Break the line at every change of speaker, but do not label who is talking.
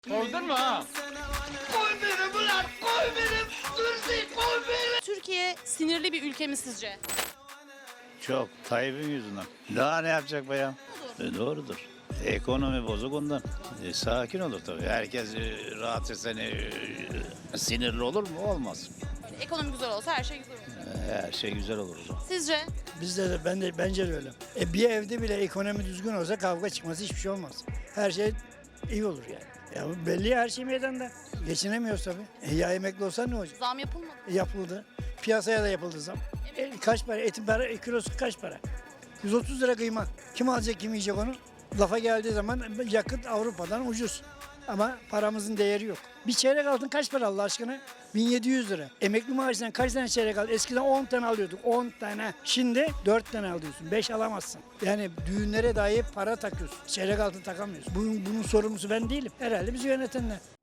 Kovdun mu ha? Koy beni ulan, koy beni. Dursun, koy beni.
Türkiye sinirli bir ülke mi sizce?
Çok. Tayyip'in yüzünden. Daha ne yapacak bayan? Doğrudur. Ekonomi bozuk ondan. Sakin olur tabii. Herkes rahat etsen sinirli olur mu? Olmaz.
Ekonomi güzel olsa her şey güzel olur.
Her şey güzel olur o zaman.
Sizce?
Bence de öyle. Bir evde bile ekonomi düzgün olsa kavga çıkması hiçbir şey olmaz. Her şey iyi olur yani. Ya belli ya, her şey meydanda. Geçinemiyoruz tabii. Ya emekli olsa ne olacak?
Zam yapılmadı.
Yapıldı. Piyasaya da yapıldı zam. Kaç para? Etin kilosu kaç para? 130 lira kıyma. Kim alacak, kim yiyecek onu? Lafa geldiği zaman yakıt Avrupa'dan ucuz. Ama paramızın değeri yok. Bir çeyrek altın kaç para Allah aşkına? 1700 lira. Emekli maaşından kaç tane çeyrek aldın? Eskiden 10 tane alıyorduk. 10 tane. Şimdi 4 tane alıyorsun. 5 alamazsın. Yani düğünlere dahi para takıyorsun. Çeyrek altın takamıyorsun. Bunun sorumlusu ben değilim. Herhalde bizi yönetenler.